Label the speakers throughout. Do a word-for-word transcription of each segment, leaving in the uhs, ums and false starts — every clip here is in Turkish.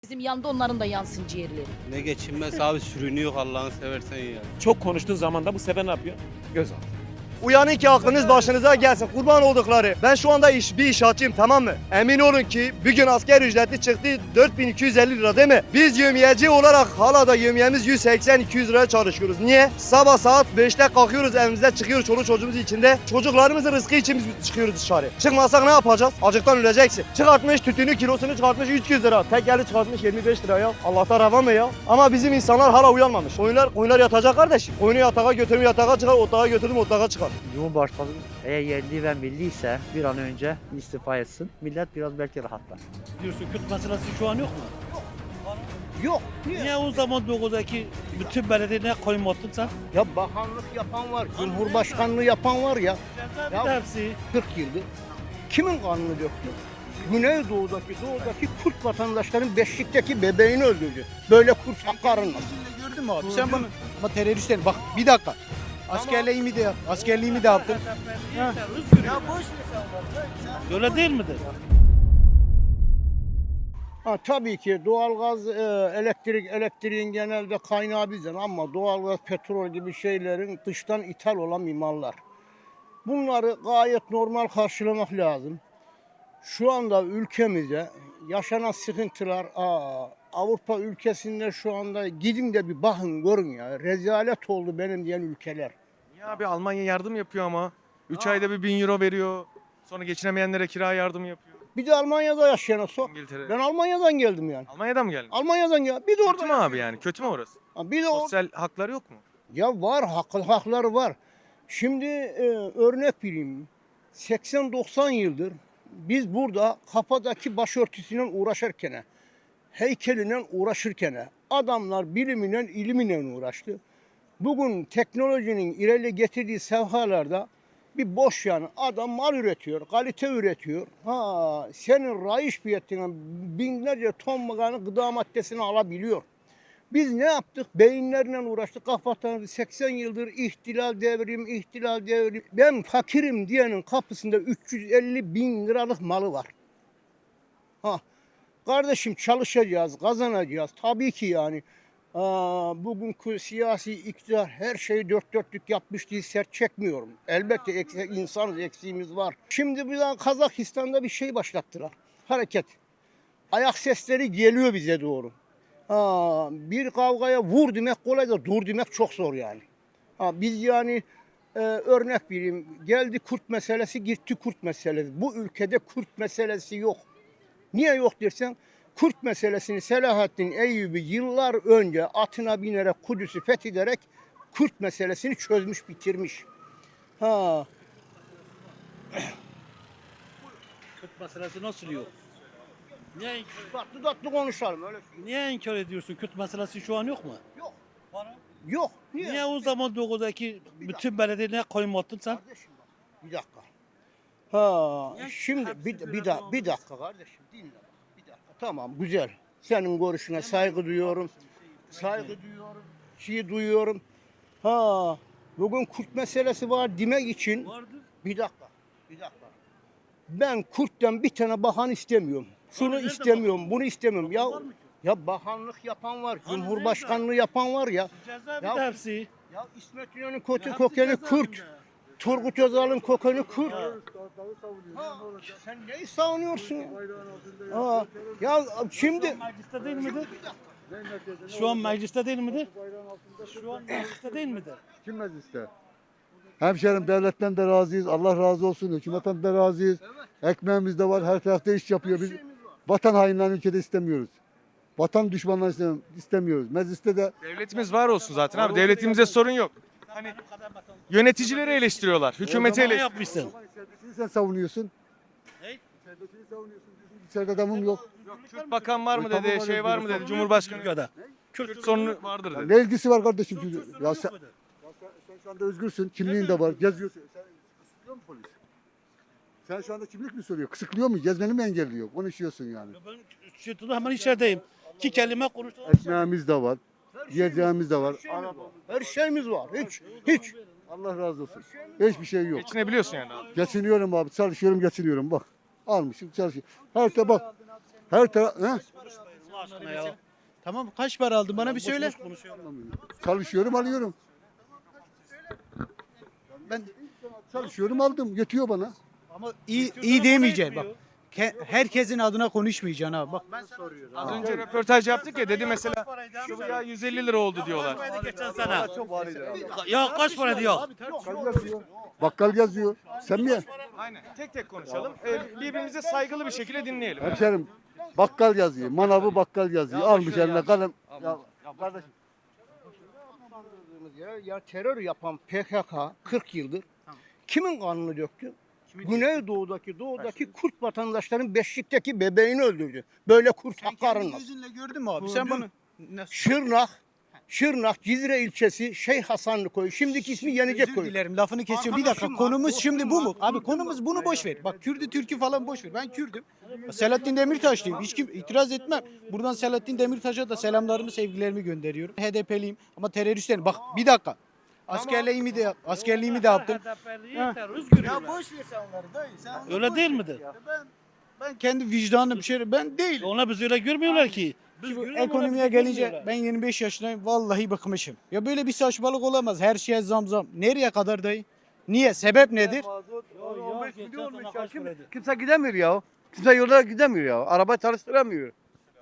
Speaker 1: Bizim yanında onların da yansın ciğerleri.
Speaker 2: Ne geçinmez abi, sürünüyor Allah'ını seversen ya.
Speaker 3: Çok konuştuğun zaman da bu sefer ne yapıyor? Göz al.
Speaker 4: Uyanın ki aklınız başınıza gelsin. Kurban oldukları. Ben şu anda iş, bir inşaatçıyım, tamam mı? Emin olun ki bugün asker ücreti çıktı dört bin iki yüz elli lira değil mi? Biz yevmiyeci olarak hala da yevmiyemiz yüz seksen iki yüz liraya çalışıyoruz. Niye? Sabah saat beşte kalkıyoruz, evimizde çıkıyoruz çoluk çocuğumuz içinde. Çocuklarımızın rızkı için biz çıkıyoruz dışarı. Çıkmasak ne yapacağız? Acıktan öleceksin. Çıkartmış tütünü kilosunu çıkartmış üç yüz lira. Tekeli çıkartmış yirmi beş lira ya. Allah'tan rava mı ya? Ama bizim insanlar hala uyanmamış. Koyunlar, koyunlar yatacak kardeşim. Koyunu yatağa götürüm yatağa çıkar, otağa götürüm otağa çıkar.
Speaker 5: Cumhurbaşkanı eğer yerli ve milli ise bir an önce istifa etsin. Millet biraz belki rahatlar.
Speaker 6: Diyorsun Kürt meselesi şu an yok mu?
Speaker 4: Yok.
Speaker 6: Niye o zaman dokudaki bütün belediyeler koymadın sen?
Speaker 7: Ya bakanlık yapan var, cumhurbaşkanlığı yapan var ya. Ya-
Speaker 6: Ya, hepsi.
Speaker 7: kırk yıldır. Kimin kanını döktü? Güneydoğu'daki, doğudaki Kürt vatandaşların beşlikteki bebeğini öldürdü. Böyle Kürt hakkı aranmaz.
Speaker 8: Gördün mü abi? Sen bunu ama teröristler bak bir dakika. Askerliğimi de yap. Askerliğimi de yaptım.
Speaker 6: Ya boş Öyle değil midir?
Speaker 7: Ha, tabii ki doğalgaz, e, elektrik, elektriğin genelde kaynağı bizden ama doğalgaz, petrol gibi şeylerin dıştan ithal olan mimarlar. Bunları gayet normal karşılamak lazım. Şu anda ülkemizde yaşanan sıkıntılar, aa, Avrupa ülkesinde şu anda gidin de bir bakın görün ya. Rezalet oldu benim diyen ülkeler.
Speaker 9: Ya abi Almanya yardım yapıyor ama. üç ayda bir bin euro veriyor. Sonra geçinemeyenlere kira yardım yapıyor.
Speaker 7: Bir de Almanya'da yaşayana sor.
Speaker 9: İngiltere.
Speaker 7: Ben Almanya'dan geldim yani.
Speaker 9: Almanya'dan mı geldin?
Speaker 7: Almanya'dan gel. Bir de orada.
Speaker 9: Kötü mü abi yani? Kötü mü orası?
Speaker 7: Ha, Bir de or-
Speaker 9: Sosyal haklar yok mu?
Speaker 7: Ya var, hak, hakları var. Şimdi e, örnek vereyim. seksen doksan yıldır biz burada kafadaki başörtüsüyle uğraşırken, heykeline uğraşırken, adamlar biliminen, iliminen uğraştı. Bugün teknolojinin ileri getirdiği sevhalarda bir boş yani adam mal üretiyor, kalite üretiyor. Ha, senin raiş fiyatına binlerce ton mıganı gıda maddesini alabiliyor. Biz ne yaptık? Beyinlerle uğraştık. Kafadan seksen yıldır ihtilal devrim, ihtilal devrim. Ben fakirim diyenin kapısında üç yüz elli bin liralık malı var. Ha, kardeşim çalışacağız, kazanacağız. Tabii ki yani. Aa, bugünkü siyasi iktidar her şeyi dört dörtlük yapmış diye sert çekmiyorum. Elbette eksi, insan eksiğimiz var. Şimdi bir daha Kazakistan'da bir şey başlattılar. Hareket. Ayak sesleri geliyor bize doğru. Ha, bir kavgaya vur demek kolay da dur demek çok zor yani. Ha, biz yani e, örnek vereyim. Geldi Kürt meselesi, gitti Kürt meselesi. Bu ülkede Kürt meselesi yok. Niye yok dersen, Kürt meselesini Selahaddin Eyyubi yıllar önce atına binerek Kudüs'ü fethederek Kürt meselesini çözmüş, bitirmiş. Ha,
Speaker 6: Kürt meselesi nasıl yok? Niye,
Speaker 7: tatlı tatlı konuşalım öyle.
Speaker 6: niye inkar ediyorsun? Kürt meselesi şu an yok mu?
Speaker 7: Yok. Yok. Niye?
Speaker 6: Niye o zaman dokudaki bütün belediyeler koymadın sen?
Speaker 7: Kardeşim bak, bir dakika. Ha,
Speaker 6: Ya,
Speaker 7: şimdi
Speaker 6: hepsi
Speaker 7: bir,
Speaker 6: bir
Speaker 7: bir,
Speaker 6: arada
Speaker 7: da,
Speaker 6: olmuş.
Speaker 7: bir dakika kardeşim dinle. Bir dakika. Tamam güzel. Senin görüşüne saygı duyuyorum. Saygı duyuyorum. Şey duyuyorum. Ha, bugün Kürt meselesi var demek için
Speaker 6: Vardır.
Speaker 7: bir dakika. Bir dakika. Ben Kürt'ten bir tane bakan istemiyorum. Şunu
Speaker 6: nerede
Speaker 7: istemiyorum, bunu istemiyorum. Ya
Speaker 6: Var mı ki?
Speaker 7: ya bakanlık yapan var,
Speaker 6: Hani
Speaker 7: cumhurbaşkanlığı yapan var ya.
Speaker 6: Cezaevi
Speaker 7: Ya-
Speaker 6: de hepsi.
Speaker 7: Ya İsmet İnönü'nün kötü
Speaker 6: Hepsi
Speaker 7: kökeni
Speaker 6: cezaevinde.
Speaker 7: Kürt. Turgut Özal'ın kökeni Kürt.
Speaker 6: Ya.
Speaker 7: Ha, sen neyi savunuyorsun ya? Ha, ya şimdi
Speaker 6: Mecliste değil midir? Şu an mecliste değil midir? Şu an mecliste değil midir?
Speaker 10: Kim mecliste? Hemşerim devletten de razıyız. Allah razı olsun. Hükümetten de razıyız. Ekmeğimiz de var. Her tarafta iş yapıyor. Biz vatan hainlerini ülkede istemiyoruz. Vatan düşmanlarını istemiyoruz. Mecliste de
Speaker 9: Devletimiz var olsun zaten abi. Devletimizde sorun yok. Hani yöneticileri eleştiriyorlar. Hükümeti
Speaker 6: Ne
Speaker 9: eleştiriyorlar.
Speaker 6: yapmışsın?
Speaker 10: Serbestliği sen savunuyorsun.
Speaker 6: Ne?
Speaker 10: Serbestliği savunuyorsun. İçeride adamım yok.
Speaker 9: Kürt bakan var mı
Speaker 10: Tamam,
Speaker 9: dedi,
Speaker 10: var,
Speaker 9: şey var mı dedi, Cumhurbaşkanı.
Speaker 6: Türkiye'de.
Speaker 9: Kürt sorunu vardır dedi.
Speaker 10: Ne ilgisi var kardeşim? çocuğun? Ya sen, sen, sen şu anda özgürsün. Kimliğin de var. Geziyorsun. Sen kısıtlıyor mu polis? Sen şu anda kimlik mi soruyor? Kısıtlıyor mu? Gezmeni mi engelliyor? Konuşuyorsun yani.
Speaker 6: Ben şey, hemen içerideyim. İki kelime konuştum.
Speaker 10: Ekmeğimiz de var. Yiyeceğimiz de var.
Speaker 7: her şeyimiz var. Hiç hiç.
Speaker 10: Allah razı olsun. Hiçbir şey yok.
Speaker 9: Geçinebiliyorsun yani abi.
Speaker 10: Geçiniyorum abi. Çalışıyorum, geçiniyorum. Bak. Almışım, çalışıyorum. Her taraf bak. Her taraf. He?
Speaker 6: aşkına ya.
Speaker 8: Tamam kaç para aldın bana bir
Speaker 6: Boş
Speaker 8: söyle.
Speaker 6: boş konuşuyorum.
Speaker 10: Çalışıyorum alıyorum. Ben çalışıyorum aldım. Yetiyor bana.
Speaker 8: Ama iyi iyi demeyeceksin bak. Ke- herkesin adına konuşmayacaksın abi. Bak ben soruyorum.
Speaker 9: Az önce röportaj yaptık ya, dedi mesela şu ya yüz elli lira oldu diyorlar.
Speaker 6: Sana. Ya kaç para diyor?
Speaker 10: Bakkal yazıyor. Bakkal yazıyor. Sen mi?
Speaker 9: Aynen. Tek tek konuşalım. Ee, birbirimize saygılı bir şekilde dinleyelim.
Speaker 10: Hemşerim bakkal yazıyor. Manavı bakkal yazıyor. Almış eline kalem. Ya, kardeşim.
Speaker 7: Ya, ya terör yapan P K K kırk yıldır kimin kanını döktü? Güneydoğu'daki, doğudaki Kürt vatandaşların Beşik'teki bebeğini öldürdü. Böyle Kürt hakkı aranmaz.
Speaker 8: Gözünle gördün mü abi? Sen
Speaker 7: Gördüm.
Speaker 8: bana nasıl?
Speaker 7: Şırnak, Şırnak, Cizre ilçesi Şeyh Hasanlı koyu. Şimdiki ismi Yenicek
Speaker 8: Özür
Speaker 7: koyu.
Speaker 8: dilerim lafını kesiyorum. Bir dakika
Speaker 7: Arkadaşım,
Speaker 8: konumuz
Speaker 7: bak,
Speaker 8: şimdi
Speaker 7: boşum
Speaker 8: bu mu?
Speaker 7: bak,
Speaker 8: Abi
Speaker 7: boşum
Speaker 8: konumuz
Speaker 7: bak.
Speaker 8: bunu boş ver. Bak Kürdü Türk'ü falan boş ver. Ben Kürdüm. Selahattin Demirtaşlıyım. Hiç kim itiraz etmem. Buradan Selahattin Demirtaş'a da selamlarımı, sevgilerimi gönderiyorum. H D P'liyim ama teröristlerim. Bak bir dakika. Askerliğimi de askerliğimi de yaptım. Ya boş ver sen onları dayı. Sen onları
Speaker 6: Öyle
Speaker 8: boş
Speaker 6: değil
Speaker 8: ver
Speaker 6: midir?
Speaker 8: ya. Ben ben kendi vicdanım bir şey ben değil.
Speaker 6: Ona biz öyle görmüyorlar ki. Biz
Speaker 8: Şu
Speaker 6: görüyoruz,
Speaker 8: ekonomiye
Speaker 6: ona bizi
Speaker 8: gelince
Speaker 6: görmüyorlar.
Speaker 8: ben yirmi beş yaşındayım. Vallahi bıkmışım. Ya böyle bir saçmalık olamaz. Her şeye zam zam. Nereye kadar dayı? Niye? Sebep nedir?
Speaker 6: on beş milyon olmuş ya.
Speaker 4: Kimse gidemiyor ya. Kimse yolda gidemiyor ya. Araba çalıştıramıyor.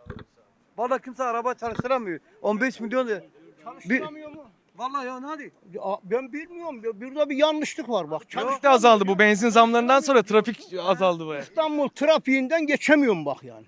Speaker 4: Vallahi kimse araba çalıştıramıyor. on beş milyon de-
Speaker 7: Çalıştıramıyor mu?
Speaker 4: Vallahi ya hadi.
Speaker 7: Ya, ben bilmiyorum. Ya, burada bir yanlışlık var bak.
Speaker 9: Trafik de azaldı, bu benzin zamlarından sonra trafik azaldı baya.
Speaker 7: İstanbul trafiğinden geçemiyorum bak yani.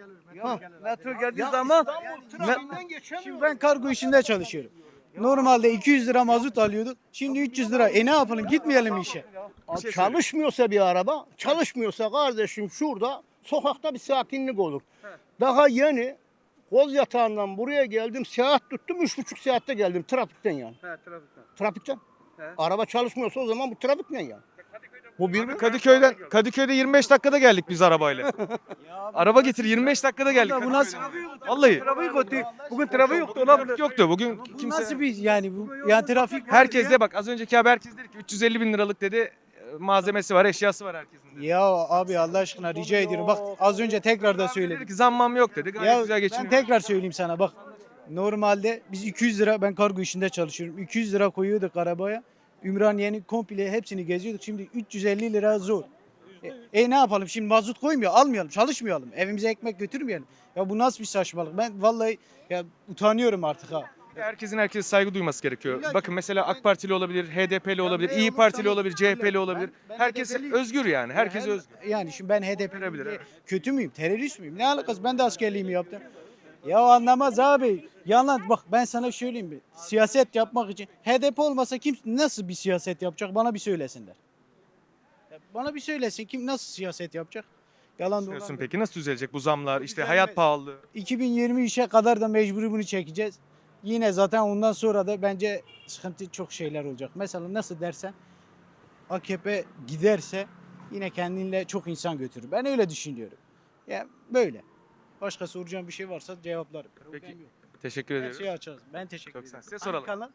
Speaker 4: Ya, metro geldiği
Speaker 7: Ya
Speaker 4: zaman
Speaker 7: İstanbul trafiğinden geçemiyorum.
Speaker 8: Şimdi ben kargo işinde çalışıyorum. Normalde iki yüz lira mazot alıyorduk. Şimdi üç yüz lira. E ne yapalım? Gitmeyelim mi işe?
Speaker 7: Abi çalışmıyorsa bir araba, çalışmıyorsa kardeşim şurada sokakta bir sakinlik olur. Daha yeni koz yatağından buraya geldim, seyahat tuttum, üç buçuk saatte geldim trafikten yani.
Speaker 4: He, trafikten.
Speaker 7: Trafikten.
Speaker 4: He.
Speaker 7: Araba çalışmıyorsa o zaman bu trafik ne yani? Bu bir
Speaker 9: Kadıköy'den Kadıköy'de yirmi beş dakikada geldik biz arabayla. Araba getir yirmi beş dakikada geldik.
Speaker 8: Bu nasıl
Speaker 9: Vallahi
Speaker 4: Trafik yoktu. Bugün trafik yoktu olabilir.
Speaker 9: trafik yoktu bugün,
Speaker 8: bu
Speaker 9: kimse.
Speaker 8: nasıl bir yani bu yani trafik
Speaker 9: Herkes de bak, az önceki haber herkes dedi ki üç yüz elli bin liralık dedi, e, malzemesi var, eşyası var herkesin dedi.
Speaker 8: Ya abi Allah aşkına rica ediyorum. Bak az önce tekrar da
Speaker 9: Dedi
Speaker 8: söyledim.
Speaker 9: ki zammam yok dedi, gayet
Speaker 8: Ya
Speaker 9: güzel
Speaker 8: ben
Speaker 9: geçiniyor.
Speaker 8: tekrar söyleyeyim sana bak. Normalde biz iki yüz lira, ben kargo işinde çalışıyorum. iki yüz lira koyuyorduk arabaya. Ümraniye'nin komple hepsini geziyorduk. Şimdi üç yüz elli lira zor. E, e ne yapalım şimdi mazot koymuyor, almayalım, çalışmayalım. Evimize ekmek götürmeyelim. Ya bu nasıl bir saçmalık? Ben vallahi ya utanıyorum artık ha.
Speaker 9: Herkesin herkese saygı duyması gerekiyor.
Speaker 8: İlla ki.
Speaker 9: Bakın mesela AK Partili olabilir, H D P'li olabilir,
Speaker 8: ne
Speaker 9: İyi
Speaker 8: olursa
Speaker 9: Partili
Speaker 8: olsun
Speaker 9: olabilir, C H P'li
Speaker 8: öyle.
Speaker 9: olabilir.
Speaker 8: Ben- ben
Speaker 9: Herkes
Speaker 8: H D P'liyim.
Speaker 9: özgür yani. Herkes
Speaker 8: Yani-
Speaker 9: özgür.
Speaker 8: Yani şimdi ben H D P'li
Speaker 9: Verebilir,
Speaker 8: diye
Speaker 9: evet.
Speaker 8: kötü müyüm? Terörist müyüm? Ne alakası? Ben de askerliğimi yaptım. Ya anlamaz abi. Yalan bak ben sana söyleyeyim bir. Siyaset yapmak için H D P olmasa kim nasıl bir siyaset yapacak? Bana bir söylesinler. Ya bana bir söylesin kim nasıl siyaset yapacak? Yalan dolan.
Speaker 9: Diyorsun
Speaker 8: yok.
Speaker 9: peki nasıl düzelecek bu zamlar, işte
Speaker 8: Düzelmez.
Speaker 9: hayat pahalılığı?
Speaker 8: iki bin yirmi üçe kadar da mecburi bunu çekeceğiz. Yine zaten ondan sonra da bence sıkıntı çok şeyler olacak. Mesela nasıl dersen A K P giderse yine kendinle çok insan götürür. Ben öyle düşünüyorum. Ya böyle. Başka soracağım bir şey varsa cevaplarım.
Speaker 9: Peki,
Speaker 8: Problem yok.
Speaker 9: Teşekkür
Speaker 8: Her
Speaker 9: ederiz.
Speaker 8: şeyi açarız. Ben teşekkür
Speaker 9: Çok
Speaker 8: ederim.
Speaker 9: sağ ol. Size
Speaker 8: Hangi
Speaker 9: soralım.
Speaker 8: kanal?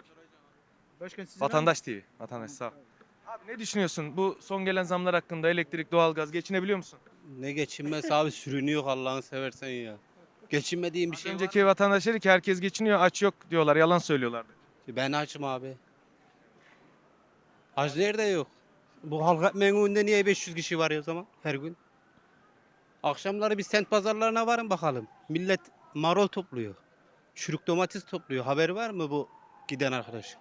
Speaker 8: Başka sizin var mı?
Speaker 9: Vatandaş T V. Vatandaş sağ ol. Abi ne düşünüyorsun bu son gelen zamlar hakkında? Elektrik, doğalgaz, geçinebiliyor musun?
Speaker 2: Ne geçinmez abi, sürünüyor Allah'ını seversen ya. Geçinmediğim bir
Speaker 9: Az
Speaker 2: şey var.
Speaker 9: önceki vatandaş dedi ki herkes geçiniyor, aç yok diyorlar, yalan söylüyorlardı.
Speaker 2: Ben açım abi. Aç nerede yok? Bu halk menüünde niye beş yüz kişi var ya o zaman her gün? Akşamları bir sent pazarlarına varın bakalım. Millet marul topluyor. Çürük domates topluyor. Haberi var mı bu giden arkadaş?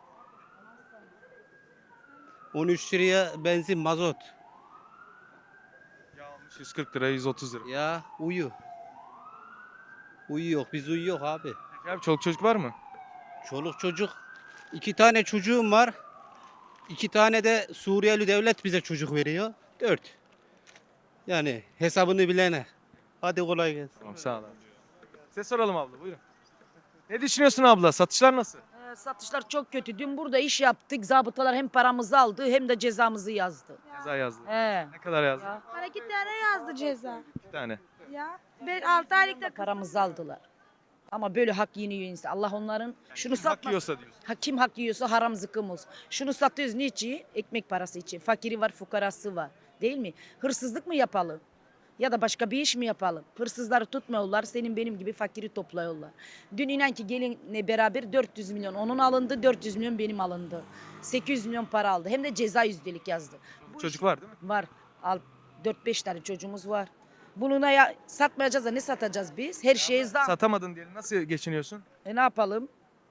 Speaker 2: on üç liraya benzin, mazot.
Speaker 9: Ya almış yüz kırk lira, yüz otuz lira.
Speaker 2: Ya uyu. Uyuyor. Biz uyuyor abi.
Speaker 9: Peki abi çoluk çocuk var mı?
Speaker 2: Çoluk çocuk. İki tane çocuğum var. İki tane de Suriyeli devlet bize çocuk veriyor. Dört. Yani hesabını bilene. Hadi kolay gelsin.
Speaker 9: Tamam sağ ol abi. Size soralım abla, buyurun. Ne düşünüyorsun abla? Satışlar nasıl?
Speaker 1: Ee, satışlar çok kötü. Dün burada iş yaptık. Zabıtalar hem paramızı aldı hem de cezamızı yazdı.
Speaker 9: Ceza yazdı.
Speaker 1: He.
Speaker 9: Ne kadar yazdı?
Speaker 1: Ya,
Speaker 11: Bana iki tane yazdı ceza.
Speaker 9: İki tane.
Speaker 11: Ya. Ben altı aylıkta
Speaker 1: paramızı aldılar. Ama böyle hak yeniyor insan. Allah onların şunu
Speaker 9: Hak
Speaker 1: satmasın.
Speaker 9: yiyorsa diyorsun.
Speaker 1: Ha, kim hak yiyorsa haram zıkkım olsun. Şunu satıyoruz niçin? Ekmek parası için. Fakiri var, fukarası var. Değil mi? Hırsızlık mı yapalım? Ya da başka bir iş mi yapalım? Hırsızları tutmuyorlar, senin benim gibi fakiri topluyorlar. Dün inan ki gelinle beraber dört yüz milyon onun alındı, dört yüz milyon benim alındı. sekiz yüz milyon para aldı. Hem de ceza yüzdelik yazdı. Bu
Speaker 9: Çocuk
Speaker 1: iş-
Speaker 9: var değil mi?
Speaker 1: Var. Al, dört beş tane çocuğumuz var. Bunu ne ya, satmayacağız da ne satacağız biz? Her şeye zam.
Speaker 9: Satamadın diyelim. Nasıl geçiniyorsun?
Speaker 1: E ne yapalım?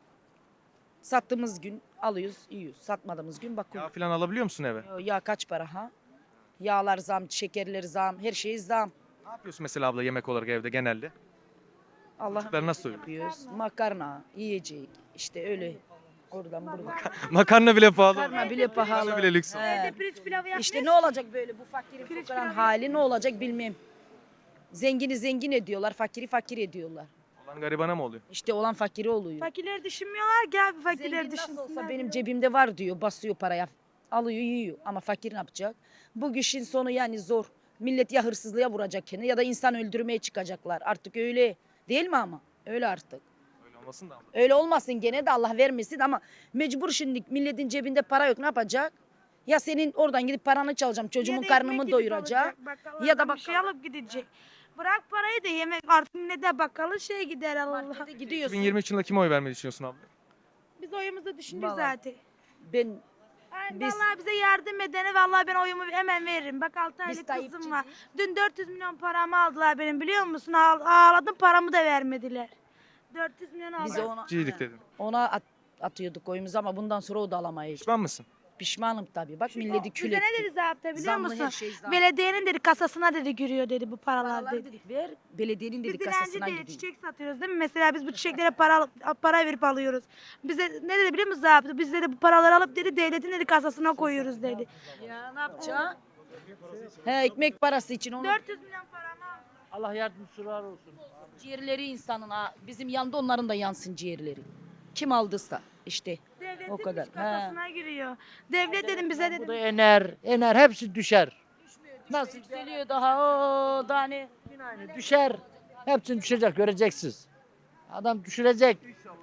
Speaker 1: Sattığımız gün alıyoruz, yiyoruz. Satmadığımız gün
Speaker 9: Yağ
Speaker 1: bakıyoruz.
Speaker 9: falan alabiliyor musun eve?
Speaker 1: Ya, ya kaç para ha? Yağlar zam, şekerler zam, her şey zam.
Speaker 9: Ne yapıyorsun mesela abla yemek olarak evde genelde?
Speaker 1: Allah'ım
Speaker 9: Çocuklar nasıl doyuruyor?
Speaker 1: yapıyoruz. Makarna, yiyecek. İşte öyle. Oradan buradan.
Speaker 9: Makarna bile pahalı.
Speaker 1: Makarna bile pahalı.
Speaker 9: Makarna bile lüks.
Speaker 1: He.
Speaker 11: Evde pirinç pilavı yapmıyoruz.
Speaker 1: İşte ne olacak böyle bu fakirin
Speaker 11: Pirinç
Speaker 1: fukaranın
Speaker 11: pilavı
Speaker 1: hali ne olacak bilmem. Zengini zengin ediyorlar, fakiri fakir ediyorlar.
Speaker 9: Olan garibana mı oluyor?
Speaker 1: İşte olan fakiri oluyor.
Speaker 11: Fakirleri düşünmüyorlar ki abi fakirleri
Speaker 1: Zengin nasıl olsa
Speaker 11: düşünsünler.
Speaker 1: benim cebimde var diyor, basıyor paraya. Alıyor, yiyor. Ama fakir ne yapacak? Bu işin sonu yani zor. Millet ya hırsızlığa vuracak kendini ya da insan öldürmeye çıkacaklar. Artık öyle değil mi ama? Öyle artık.
Speaker 9: Öyle olmasın da abla.
Speaker 1: Öyle olmasın gene de Allah vermesin ama mecbur şimdi milletin cebinde para yok ne yapacak? Ya senin oradan gidip paranı çalacağım çocuğumun
Speaker 11: Ya da
Speaker 1: karnımı
Speaker 11: ekmek gidip
Speaker 1: doyuracak.
Speaker 11: alacak, bakkaldan
Speaker 1: Ya da
Speaker 11: bir şey
Speaker 1: bakkal-
Speaker 11: alıp gidecek. Bırak parayı da yemek artık ne de bakkalı şey gider Allah.
Speaker 1: Markete gidiyorsun.
Speaker 9: iki bin yirmi üç yılında kime oy vermeyi düşünüyorsun abla?
Speaker 11: Biz oyumuzu düşündük
Speaker 1: Vallahi.
Speaker 11: zaten.
Speaker 1: Ben
Speaker 11: Yani
Speaker 1: Biz-
Speaker 11: vallahi bize yardım edene vallahi ben oyumu hemen veririm. Bak altı aylık
Speaker 1: Tayyipçi
Speaker 11: kızım var.
Speaker 1: değil.
Speaker 11: Dün dört yüz milyon paramı aldılar benim biliyor musun? Ağ- Ağladım paramı da vermediler. dört yüz milyon
Speaker 1: biz
Speaker 11: aldılar.
Speaker 1: ona,
Speaker 9: Ciydik dedin.
Speaker 1: ona at- atıyorduk oyumuzu ama bundan sonra o da alamayız.
Speaker 9: Pişman mısın?
Speaker 1: Pişmanım tabii. Bak milleti kül
Speaker 11: Bize ne
Speaker 1: etti.
Speaker 11: dedi zapta biliyor
Speaker 1: Zamlı
Speaker 11: musun?
Speaker 1: her şey zam.
Speaker 11: Belediyenin dedi kasasına dedi giriyor dedi bu paralar
Speaker 1: Paraları
Speaker 11: dedi.
Speaker 1: dedik ver, belediyenin
Speaker 11: Biz
Speaker 1: dedik
Speaker 11: dilenci
Speaker 1: kasasına
Speaker 11: değil
Speaker 1: gidiyor.
Speaker 11: çiçek satıyoruz değil mi? Mesela biz bu çiçeklere para alıp- para verip alıyoruz. Bize ne dedi biliyor musun zaptı? Biz dedi bu paraları alıp dedi devletin dedi kasasına koyuyoruz dedi.
Speaker 1: Ya ne yapacağız? He ekmek parası için onu
Speaker 11: dört yüz milyon paramı aldı.
Speaker 8: Allah yardımcılar olsun.
Speaker 1: ciğerleri insanın ha. Bizim yanında onların da yansın ciğerleri. Kim aldıysa işte.
Speaker 11: Devletin
Speaker 1: O kadar.
Speaker 11: iç kasasına giriyor. Devlet dedim bize
Speaker 8: Bu da
Speaker 11: dedim.
Speaker 8: ener, ener hepsi düşer.
Speaker 1: Nasıl yükseliyor daha o daha ne?
Speaker 8: Düşer. Hepsini düşecek göreceksiniz. Adam düşürecek.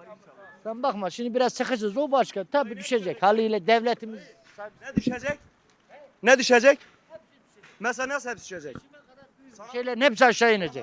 Speaker 8: Sen bakma şimdi biraz sıkışırız o başka. Tabii düşecek haliyle devletimiz.
Speaker 4: Ne düşecek? Ne düşecek? Mesela nasıl hepsi düşecek?
Speaker 8: Şeylerin hepsi aşağı inecek.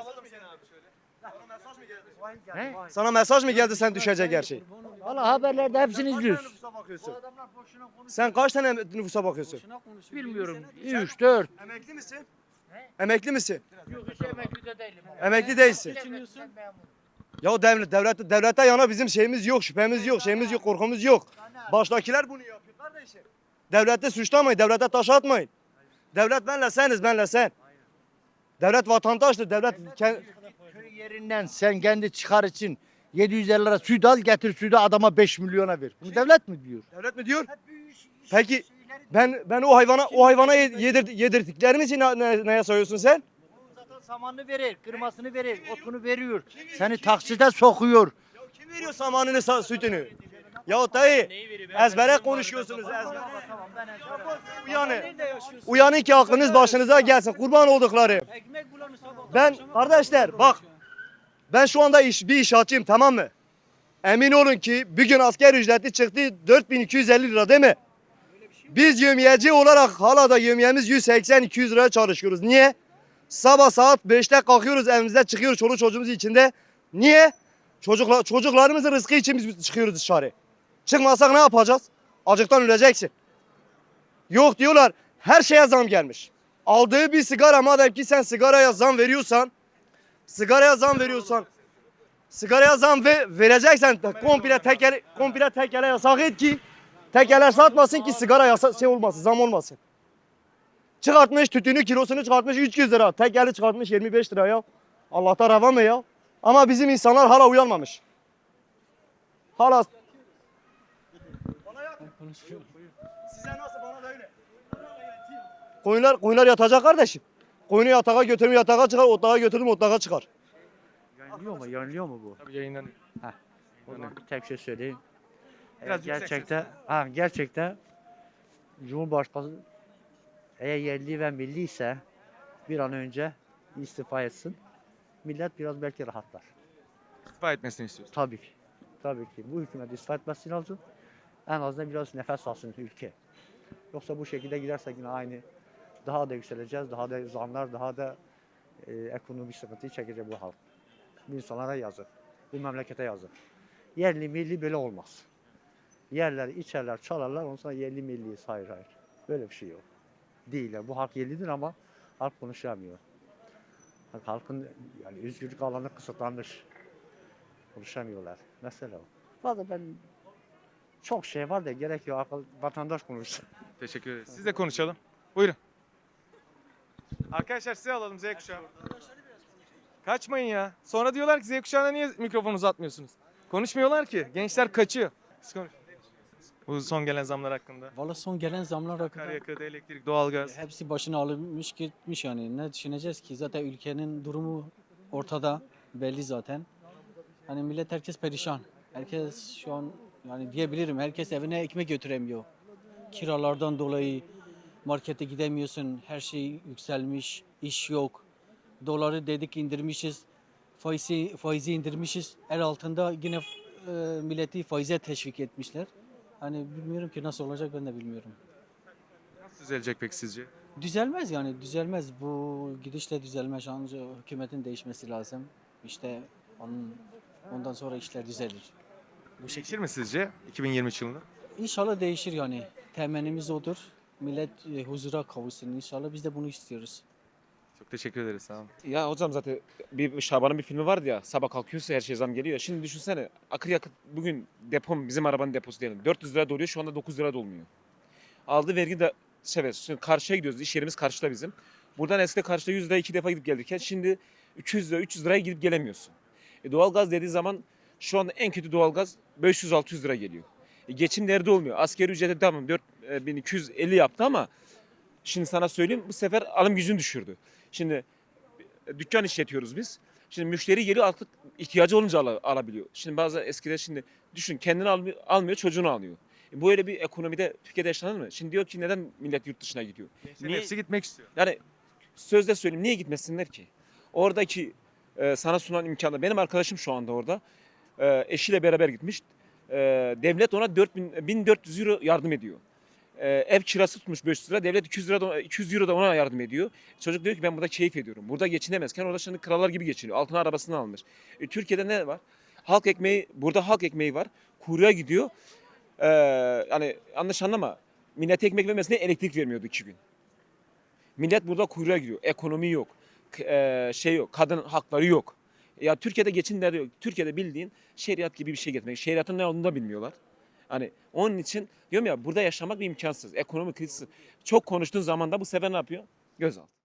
Speaker 8: He?
Speaker 4: Sana mesaj mı geldi sen düşecek her şey?
Speaker 8: Valla haberlerde hepsini izliyoruz.
Speaker 4: Nüfusa bakıyorsun? Sen kaç tane nüfusa bakıyorsun?
Speaker 8: Bilmiyorum. üç, dört.
Speaker 4: Emekli misin? Emekli misin?
Speaker 8: Yok hiç emekli de değilim.
Speaker 4: Emekli değilsin. Ya devlet, devlet, devlete yana bizim şeyimiz yok, şüphemiz yok, şeyimiz yok, korkumuz yok. Baştakiler bunu yapıyor kardeşim. Devleti suçlamayın, devlete taş atmayın. Devlet benle seniz, benle sen. Devlet vatandaştır, devlet ke-
Speaker 8: Köy yerinden sen kendi çıkar için yedi yüz elli lira süt al getir sütü adama beş milyona ver. Bunu devlet mi diyor?
Speaker 4: devlet mi diyor? Peki ben ben o hayvana o hayvana yedir, yedirdiklerim için ne, ne- neye sayıyorsun sen?
Speaker 8: Zaten samanını verir, kırmasını verir, otunu veriyor. Seni takside sokuyor.
Speaker 4: Kim veriyor samanını, sa- sütünü? Ya dayı ezbere konuşuyorsunuz ezbere. Uyanın. Uyanın ki aklınız başınıza gelsin. Kurban oldukları. Ben kardeşler bak. Ben şu anda iş, bir inşaatçıyım tamam mı? Emin olun ki bir gün asker ücreti çıktı dört bin iki yüz elli lira değil mi? Biz yömiyeci olarak hala da yömiyemiz yüz seksen iki yüz liraya çalışıyoruz. Niye? Sabah saat beşte kalkıyoruz evimizde çıkıyoruz çoluk çocuğumuz içinde. Niye? Çocuklar, çocuklarımızın rızkı için biz çıkıyoruz dışarı. Çıkmasak ne yapacağız? Acıktan öleceksin. Yok diyorlar her şeye zam gelmiş. Aldığı bir sigara madem ki sen sigaraya zam veriyorsan, sigaraya zam veriyorsan, sigaraya zam ve vereceksen komple tekel, komple tekele yasak et ki tekeler satmasın ki sigara yasa, şey olmasın, zam olmasın. Çıkartmış tütünü kilosunu çıkartmış üç yüz lira. Tekeli çıkartmış yirmi beş lira ya. Allah'tan rava mı ya? Ama bizim insanlar hala uyanmamış. Hala size nasıl bana da öyle. Koyunlar, koyunlar yatacak kardeşim. Koyunu yatağa götürüm yatağa çıkar, otağa götürdüm otağa çıkar.
Speaker 5: Yanılıyor mu? Yanılıyor mu bu?
Speaker 9: Tabii yayınlanıyor.
Speaker 5: O zaman bir tek şey söyleyeyim. Eğer
Speaker 9: Biraz yüksek
Speaker 5: gerçekten, ha, gerçekten Cumhurbaşkanı eğer yerli ve milli ise bir an önce istifa etsin. Millet biraz belki rahatlar.
Speaker 9: İstifa etmesini istiyorsun.
Speaker 5: Tabii ki. Tabii ki. Bu hükümet istifa etmesi lazım. En azından biraz nefes alsın ülke. Yoksa bu şekilde gidersek yine aynı daha da yükseleceğiz. Daha da zamlar, daha da e, ekonomik sıkıntıyı çekecek bu halk. Bu insanlara yazık. Bu memlekete yazık. Yerli milli böyle olmaz. Yerler, içerler, çalarlar, ondan sonra yerli milliyiz. Hayır hayır. Böyle bir şey yok. Değil. Yani bu halk yerlidir ama halk konuşamıyor. Halk- Halkın yani özgürlük alanı kısıtlanmış. Konuşamıyorlar. Mesela o. Valla ben çok şey var da gerek yok. Akıl- Vatandaş konuşsun.
Speaker 9: Teşekkür ederiz. Siz de konuşalım. Buyurun. Arkadaşlar size alalım Z kuşağı. Kaçmayın ya. Sonra diyorlar ki Z kuşağına niye mikrofon uzatmıyorsunuz? Konuşmuyorlar ki. Gençler kaçıyor. Siz konuşun. Bu son gelen zamlar hakkında.
Speaker 8: Valla son gelen zamlar hakkında
Speaker 9: Akaryakıt, elektrik, doğalgaz.
Speaker 8: hepsi başına alınmış gitmiş yani. Ne düşüneceğiz ki? Zaten ülkenin durumu ortada, belli zaten. Hani millet herkes perişan. Herkes şu an yani diyebilirim herkes evine ekmek götüremiyor. Kiralardan dolayı markete gidemiyorsun. Her şey yükselmiş, iş yok. Doları dedik indirmişiz. Faizi, faizi indirmişiz. El altında yine e, milleti faize teşvik etmişler. Hani bilmiyorum ki nasıl olacak ben de bilmiyorum.
Speaker 9: Nasıl düzelecek peki sizce?
Speaker 8: Düzelmez yani düzelmez. Bu gidişle düzelmez. Ancak hükümetin değişmesi lazım. İşte onun, ondan sonra işler düzelir. Bu şekilde.
Speaker 9: Değişir mi sizce iki bin yirmi üç yılında?
Speaker 8: İnşallah değişir yani. Temennimiz odur. Millet e, huzura kavuşsun inşallah. Biz de bunu istiyoruz.
Speaker 9: Çok teşekkür ederiz. Sağ olun.
Speaker 3: Ya hocam zaten bir Şaban'ın bir filmi vardı ya. Sabah kalkıyorsa her şey zam geliyor. Şimdi düşünsene akaryakıt bugün depom bizim arabanın deposu diyelim. dört yüz lira doluyor şu anda dokuz lira dolmuyor. Aldığı vergi de şey şimdi karşıya gidiyoruz. İş yerimiz karşıda bizim. Buradan eskide karşıda yüz lira iki defa gidip gelirken şimdi üç yüz lira üç yüz liraya gidip gelemiyorsun. E, doğalgaz dediği zaman şu anda en kötü doğalgaz beş yüz altı yüz lira geliyor. E, geçim derdi olmuyor. Asgari ücreti tamam dört bin iki yüz elli yaptı ama şimdi sana söyleyeyim bu sefer alım gücünü düşürdü. Şimdi e, dükkan işletiyoruz biz. Şimdi müşteri geliyor artık ihtiyacı olunca al- alabiliyor. Şimdi bazı eskide şimdi düşün kendini almıyor, almıyor çocuğunu alıyor. E, bu öyle bir ekonomide Türkiye'de yaşanır mı? Şimdi diyor ki neden millet yurt dışına gidiyor?
Speaker 9: Gençlerin
Speaker 3: Niye-
Speaker 9: hepsi gitmek istiyor.
Speaker 3: Yani sözde söyleyeyim niye gitmesinler ki? Oradaki e, sana sunan imkanı benim arkadaşım şu anda orada e, eşiyle beraber gitmiş. E, devlet ona dört bin, bin dört yüz euro yardım ediyor. E, ev kirası tutmuş beş yüz lira. Devlet iki yüz lira da, iki yüz euro da ona yardım ediyor. Çocuk diyor ki ben burada keyif ediyorum. Burada geçinemezken orada şimdi krallar gibi geçiniyor. Altına arabasını almış. E, Türkiye'de ne var? Halk ekmeği, burada halk ekmeği var. Kuyruğa gidiyor. E, yani yanlış anlama. Millet ekmek vermesine elektrik vermiyordu iki gün. Millet burada kuyruğa giriyor. Ekonomi yok. K- eee, şey yok. Kadın hakları yok. Ya Türkiye'de geçim derdi yok. Türkiye'de bildiğin şeriat gibi bir şey getirmek. Şeriatın ne olduğunu da bilmiyorlar. Hani onun için diyorum ya burada yaşamak bir imkansız. Ekonomi krizisi. Çok konuştuğun zaman da bu sefer ne yapıyor? Gözaltı.